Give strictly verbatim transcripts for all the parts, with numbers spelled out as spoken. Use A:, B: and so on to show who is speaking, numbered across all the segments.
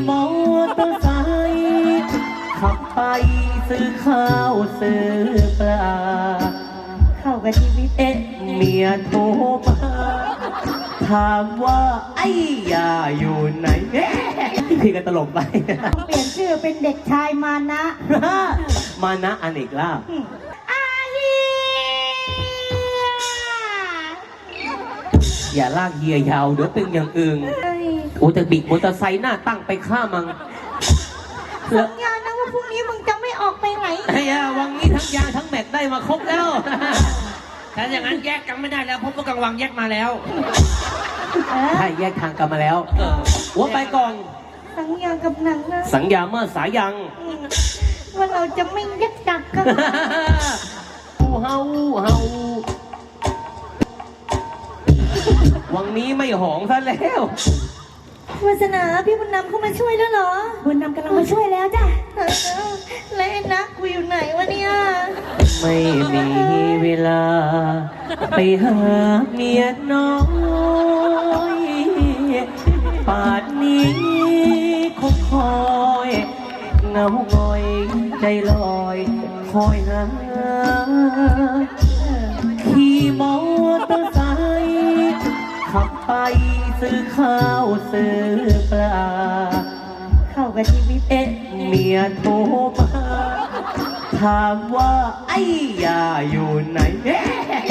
A: มอเตอร์ไซค์ขับไปซื้อข้าวซื้อปลาเข้ากับชีวิตเอ๊ะเมียโทรมาถามว่าไอ้ยาอยู่ไหนเอ๊ะพี่ก็ตลกไป
B: เปลี่ยนชื่อเป็นเด็กชายมานะ
A: มานะอเนกลาภอย่าลากเฮียยาวเดี๋ยวเป็นอย่างอื่นโอ้จะบิดมอเตอร์ไซค์หน้าตั้งไปฆ่ามัง
B: สัญญานะว่าพรุ่งนี้มึงจะไม่ออกไปไหน
A: ไอ้ยาวังนี้ทั้งยางทั้งแม็กได้มาครบแล้ว
C: ถ้าอย่างนั้นแยกกันไม่ได้แล้วเพราะว่ากลางวังแยกมาแล้ว
A: ใช่แยกทางกันมาแล้วหัวไปก่อน
B: สัญญากับหนังนะ
A: สัญญาเมื่อสายัง
B: ว่าเราจะไม่แยกจากกัน
A: อูเฮาเฮาวังนี้ไม่หองซะแล้ว
B: วาสนาพี่บุญนำเข้ามาช่วยแล้วเหรอบุญนำกำลังมาช่วยแล้วจ้ะแล้วไอ้นักกูอยู่ไหนวะเนี่ย
A: ไม่มีเวลาไปหาเมียน้อยป่านนี้คงคอยเงาหงอยใจลอยคอยหาขี่มอเตอร์ไซค์ขับไปซื้อข้าวซื้อปลาเข้ากับชีวิตเอ๊ะเมียโทรมาถามว่าไอ้ยาอยู่ไหนเอ๊ะ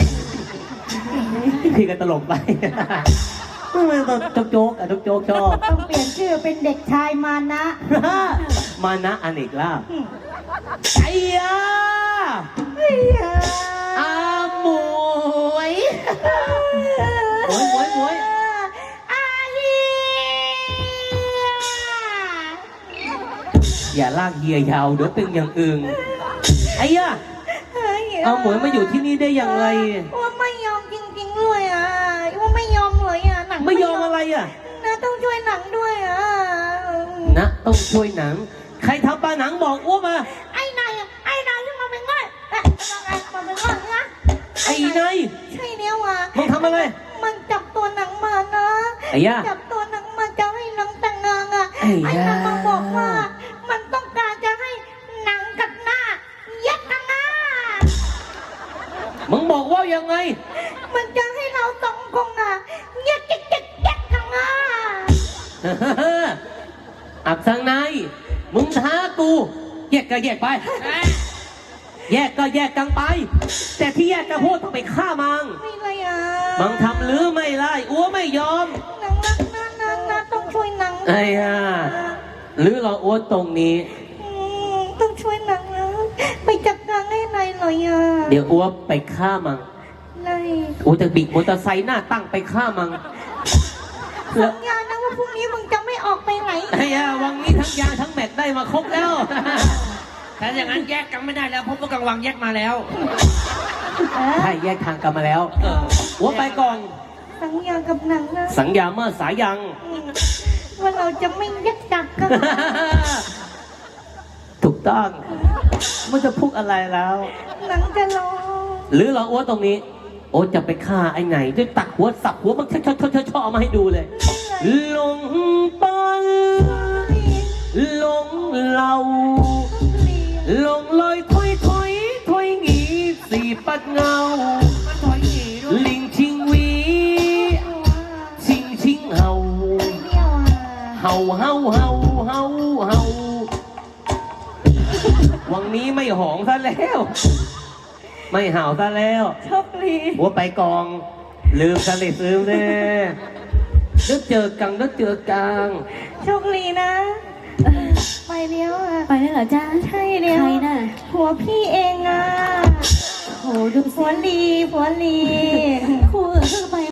A: พี่ก็ตลกไปมันต้องโจ๊กอะโจ๊กชอบ
B: ต้องเปลี่ยนชื่อเป็นเด็กชายมานะ
A: มานะอเนกลาภไอ้ยาอาหมวยหมวยหมวยหมวยอย่าลากเฮียยาวเดี๋ยวเป็นอย่างอื่นไอ้ย่าเอาหมวยมาอยู่ที่นี่ได้อย่างไร
B: ว่าไม่ยอมจริงๆเลยอ่ะว่าไม่ยอมเลยอ่ะหนัง
A: ไม่ยอมอะไรอ่ะ
B: นะต้องช่วยหนังด้วยอ่ะ
A: นะต้องช่วยหนังใครทำปลาหนังบอกอ้วมา
B: ไอ้นายไอ้นายที่มาเป็นง่อยมาเป็นง่อยนะ
A: ไอ้นาย
B: ใช่เนี่ยว่ะ
A: มึงทำอะไร
B: มันจับตัวหนังมานะ
A: ไอ้ย่า
B: จับตัวหนังมาจะให้หนังแต่งงานอ่ะไอ้นางมาบอกว่ามันต้องการจะให้หนังกับหน้าแยกกันนะ
A: มึงบอกว่ายังไง
B: มันจะให้เราสองคนอ่ะแยกแยกแยกแยกกันนะ
A: อับสังนายมึงท้ากูแยกก็แยกไปแยกก็แยกกันไปแต่ที่แยกกันพูดต้องไปฆ่ามัง
B: ไม่เลยอ่ะ
A: มังทำหรือไม่ไล่อ้วไม่ยอม
B: หนังนักนักนักนักต้องช่วยหนัง
A: ไอ้ห่าหรือเราอ้วตรงนี้
B: ต้องช่วยหนังนะไปจัดการให้นายหน่อยอ่ะ
A: เดี๋ยวอ้วไปฆ่ามัง
B: นาย
A: อ้วจะบิดมอเตอร์ไซค์หน้าตั้งไปฆ่ามัง
B: สัญญานะว่าพรุ่งนี้มึงจะไม่ออกไปไหน
A: ไอ้ย่าวังนี้ทั้งยางทั้งแม็กได้มาครบแล้ว
C: ถ้าอย่างนั้นแยกกันไม่ได้แล้วเพราะว่ากลางวังแยกมาแล้ว
A: ใช่แยกทางกันมาแล้วหัวไปก่อน
B: สัญญากับหนังนะ
A: สัญญาเมื่อสายัง
B: ว่าเราจะไม่แยกจากกัน
A: ถูกต้องมันจะพูดอะไรแล้ว
B: หนังจะรอ
A: หรือเราอ้วตรงนี้โอ้จะไปฆ่าไอ้ไหนจะตักหัวสับหัวมันชอชอชอชอมาให้ดูเลยลงปอนลงเหล่าลงลอยถอยถอยถอยหงีสีปัดเงาลิงชิงวีชิงชิงเห่าเห่าเห่าเห่าเห่าเห่าวังนี้ไม่หองซะแล้วไม่เห่าซะแล้ว
B: โชคดี
A: หัวไปกองลืมสลิดลืมเลยนึกเจอกังนึกเจอกัง
B: โชคดีนะไปเลี้ยวอ่ะ
D: ไปแล้วเหรอจ้า
B: ใช่เลี้ยว
D: ใครน่ะ
B: หัวพี่เองอ่ะ
D: โหดู
B: หัวลีหัวลี
D: คู่เออไป